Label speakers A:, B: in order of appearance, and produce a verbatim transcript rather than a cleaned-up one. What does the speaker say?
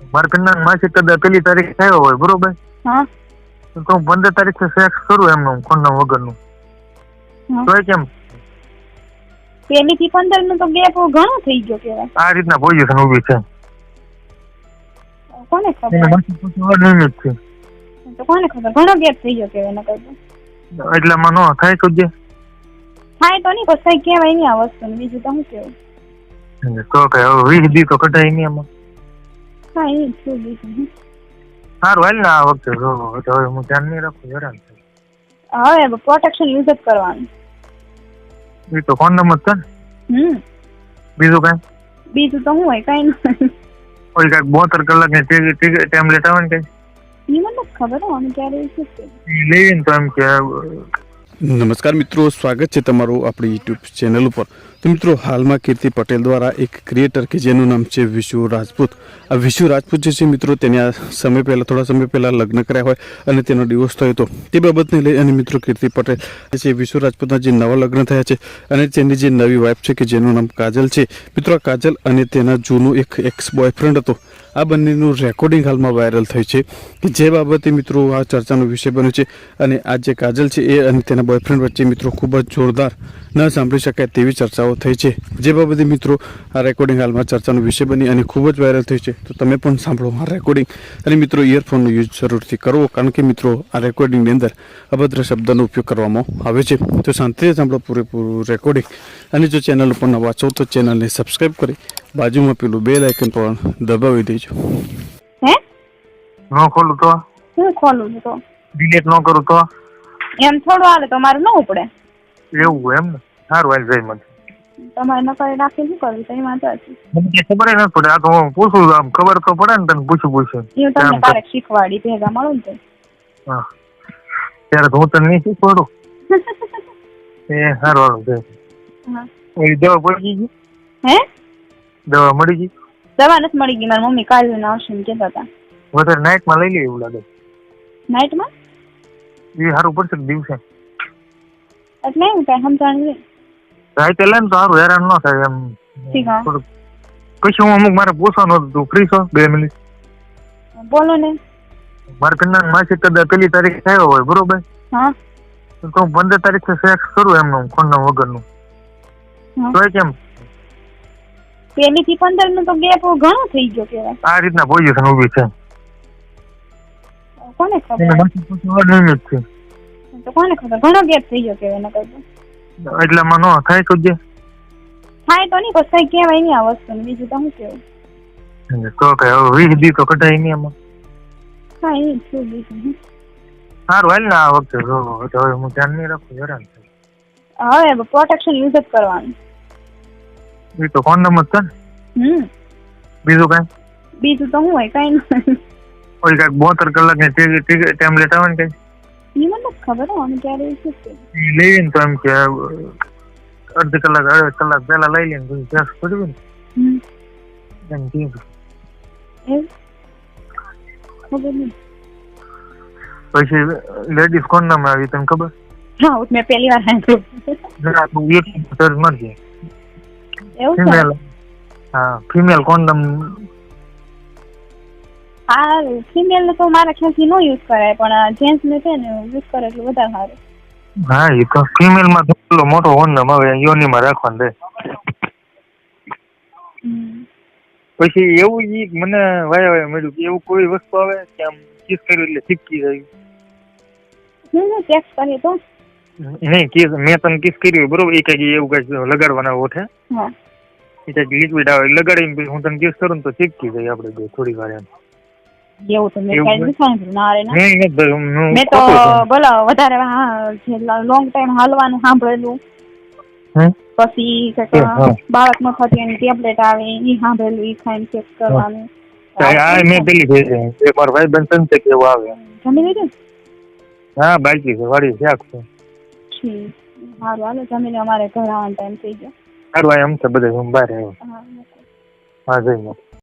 A: મારા ઘરના માસી કદાચ પેલી તારીખ થયો હોય બરોબર,
B: હા
A: તો હું પંદર તારીખે સેક્સ કરું એમનું ખોંડા વગરનું, તો એ કેમ?
B: પેલી થી પંદર નું તો ગેપ ઘણો થઈ ગયો કેવાય.
A: આ રીતના પોઝિશન ઊભી છે.
B: કોને ખબર?
A: અનિયમિત છે.
B: તો કોને ખબર ઘણો ગેપ થઈ ગયો કેવાય નકર તો.
A: એટલામાં નો થાય તો જે
B: થાય તો નહીં પછી કહેવાય નહીં આ વસ્તુ, બીજું તો શું કેવું.
A: તો કે હવે વીસ દી તો કઢાય નહીં એમાં.
B: હા એ શું બીજું.
A: સારું હાલ ને આ વખતે હવે હું ધ્યાન નહીં રાખું, હેરાન થાય.
B: હવે પ્રોટેક્શન યુઝ જ કરવાનું.
A: એ તો કોન્ડમ જ છે ને.
B: હમ
A: બીજું કઈ?
B: બીજું તો શું હોય કઈ નહીં.
A: કોઈ કઈક બોતેર કલાક ની ટેબ્લેટ આવે ને કઈ?
B: એ મને ખબર હોય અમે ક્યારે
A: લેવીને તો એમ કે.
C: નમસ્કાર મિત્રો, સ્વાગત છે તમારું આપણી યુટ્યુબ ચેનલ ઉપર. તો મિત્રો, હાલમાં કીર્તિ પટેલ દ્વારા એક ક્રિએટર કે જેનું નામ છે વિશુ રાજપૂત. આ વિશુ રાજપૂત જે છે મિત્રો, તેને આ સમય પહેલાં થોડા સમય પહેલાં લગ્ન કર્યા હોય અને તેનો ડિવોર્સ થયો હતો. તે બાબતને લઈ અને મિત્રો કીર્તિ પટેલ જે વિશુ રાજપૂતના જે નવા લગ્ન થયા છે અને તેની જે નવી વાઇફ છે કે જેનું નામ કાજલ છે. મિત્રો, આ કાજલ અને તેના જૂનું એક એક્સ બોયફ્રેન્ડ હતો, આ બંનેનું રેકોર્ડિંગ હાલમાં વાયરલ થઈ છે કે જે બાબતે મિત્રો આ ચર્ચાનો વિષય બન્યો છે. અને આ જે કાજલ છે એ અને તેના બોયફ્રેન્ડ વચ્ચે મિત્રો ખૂબ જ જોરદાર ન સાંભળી શકાય તેવી ચર્ચાઓ થઈ છે, જે બાબતે મિત્રો આ રેકોર્ડિંગ હાલમાં ચર્ચાનો વિષય બની અને ખૂબ જ વાયરલ થઈ છે. તો તમે પણ સાંભળો આ રેકોર્ડિંગ અને મિત્રો ઇયરફોનનો યુઝ જરૂરથી કરવો, કારણ કે મિત્રો આ રેકોર્ડિંગની અંદર અભદ્ર શબ્દનો ઉપયોગ કરવામાં આવે છે. તો શાંતિથી સાંભળો પૂરેપૂરું રેકોર્ડિંગ. અને જો ચેનલ ઉપર નવા છો તો ચેનલને સબસ્ક્રાઈબ કરી બાજુમાં પેલું બેલ આઇકન પણ દબાવી દેજો.
B: હે
A: ન ખોલું તો
B: હું ખોલું તો
A: ડિલીટ ન કરું તો
B: એમ થોડું હાલે તમારે ન ઉપડે
A: એવું એમ ને? સારું હાલ જઈ મને
B: તમારે ન કરી રાખી શું કરવું તો એમાં તો
A: મને ખબર ન પડે. આ તો હું પૂછું, આમ ખબર તો પડે ને તને પૂછું પૂછું
B: હું તમને ક્યારેક શીખવાડી ભેગા મળું ને.
A: હા ત્યારે તો હું તને નહીં શીખવાડું. એ સારું હારું છે. ઓલી દવા પડી ગઈ?
B: હે
A: દવા મળી ગઈ?
B: દવા નથી મળી ગઈ, મારી મમ્મી કાલે ને આવશે ને કહેતા હતા.
A: વધારે નાઇટમાં લઈ લે એવું લાગે.
B: નાઇટમાં
A: એ સારું પડશે દિવસે
B: એટલે એવું કઈ સમજાણ નહીં.
A: રાતે લે ને તો સારું, હેરાન ન થાય એમ. થોડુંક કશું હું અમુક મારે પૂછવાનું હતું, તું ફ્રી છો? બે મિનિટ
B: બોલો ને.
A: મારા ઘરના માસી કદાચ પેલી તારીખ થયો હોય બરોબર,
B: હા
A: તો હું પંદર તારીખે સેક્સ કરું એમનું ખોંડા વગરનું, તો એ કેમ?
B: પેલી થી પંદર નું તો ગેપ ઘણો થઈ ગયો કેવાય.
A: આ રીતના પોઝિશન ઊભી છે.
B: કોને ખબર?
A: અનિયમિત છે.
B: તો કોને ખબર ઘણો ગેપ થઈ ગયો કેવાય નકર તો.
A: એટલામાં નો થાય તો જે
B: થાય તો નહીં પછી કહેવાય નહીં આ વસ્તુ, બીજું તો શું કેવું.
A: તો કે હવે વીસ દી તો કઢાય નહીં એમાં.
B: હા એ શું બીજું.
A: સારું હાલ ને આ વખતે હવે હું ધ્યાન નહીં રાખું, હેરાન થાય.
B: હવે પ્રોટેક્શન યુઝ જ કરવાનું.
A: એ તો કોન્ડમ જ છે ને.
B: હમ
A: બીજું કઈ?
B: બીજું તો શું હોય કઈ નહીં.
A: કોઈ કઈક બોતેર કલાક ની ટેબ્લેટ આવે ને કઈ?
B: એ મને ખબર હોય અમે ક્યારે
A: લેવીને તો એમ કે અડધી કલાક અડધી કલાક પેલા લઈ લઈને પછી ટેસ્ટ કર્યું ને એમ કીધું. પછી લેડીઝ કોન્ડમ આવી, તને ખબર?
B: હા મેં પહેલી વાર સાંભળ્યું.
A: મરજી
B: એવું
A: ફિમેલ. હા ફિમેલ કોન્ડમ.
B: હા ફિમેલ ને તો મારા ખ્યાલથી નો યુઝ કરાય, પણ જેન્ટ્સ ને છે ને યુઝ કરે એટલે વધારે સારું.
A: હા એ તો ફિમેલ માં તો મોટો કોન્ડમ આવે યોનીમાં રાખવાનું રહે. પછી એવું ઈ મને વાય વાય મળ્યું કે એવું કોઈ વસ્તુ આવે કે આમ કિસ કર્યું એટલે ચીપકી જાય.
B: હું ચેક કરીએ તો
A: નહીં કિસ મેં તને કિસ કર્યું બરોબર, એ કઈ એવું કઈ લગાડવાના ઓઠે,
B: હા
A: એ કઈક લિક્વિડ આવે લગાડીને હું તને કિસ કરું ને તો ચીપકી જાય આપણે બે થોડી વાર એમ.
B: એવું તો મેં કાઈ નથી સાંભળ્યું. ના રે ના
A: મેં
B: તો બોલો વધારે હા લોંગ ટાઈમ હાલવાનું સાંભળેલું. પછી બાળક નો થતી એની ટેબ્લેટ આવે એ સાંભળેલું, એ ખાઈને ચેક કરવાનું.
A: હા મેં પેલી છે મારા ભાઈ બન સંતે કેવું આવે.
B: જમી લીધું?
A: હા બાકી છે, વાડી શાક છે.
B: સારું હાલો જમીને અમારે ઘર આવવાનો ટાઈમ થઈ ગયો.
A: સારું એમ છે બધે હું બહાર આવ્યો. હા જઈ